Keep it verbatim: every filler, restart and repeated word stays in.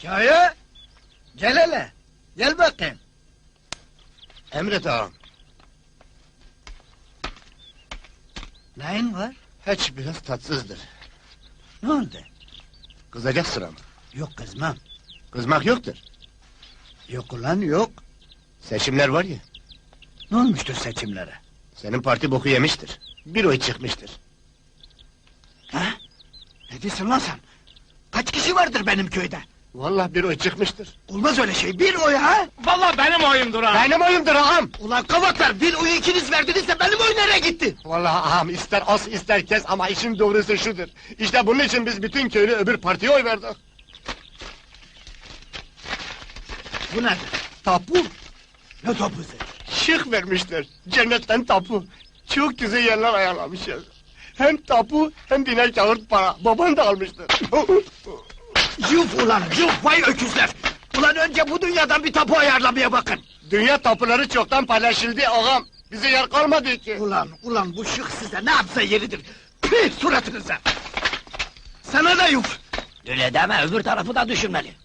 Kaya, gel hele, gel bakayım. Emret ağam. Neyin var? Hiç biraz tatsızdır. Ne oldu? Kızacak sıram. Yok kızmam. Kızmak yoktur. Yok ulan yok. Seçimler var ya, Ne olmuştur seçimlere? senin parti boku yemiştir. Bir oy çıkmıştır. Ha? Ne diyorsun lan sen? Kaç kişi vardır benim köyde? Vallahi bir oy çıkmıştır. Olmaz öyle şey, bir oy ha? Vallahi benim oyumdur ha! Benim oyumdur ağam! Ulan kavaklar, bir oyu ikiniz verdinizse benim oy nereye gitti? Vallahi ağam, ister as ister kes ama işin doğrusu şudur. İşte bunun için biz bütün köylü öbür partiye oy verdik. Bu nedir? Tapu, Ne topuzu? şık vermişler. Cennetten tapu. Çok güzel yerler ayarlamışlar. Hem tapu hem diner kağıt para. Baban da almıştır. Yuf ulan, yuf vay öküzler! Ulan önce bu dünyadan bir tapu ayarlamaya bakın! Dünya tapuları çoktan paylaşıldı ağam. Bize yer kalmadı ki. Ulan, ulan bu şık size ne yapsa yeridir! Püh suratınıza! Sana da yuf! Öyle deme, öbür tarafı da düşünmeli.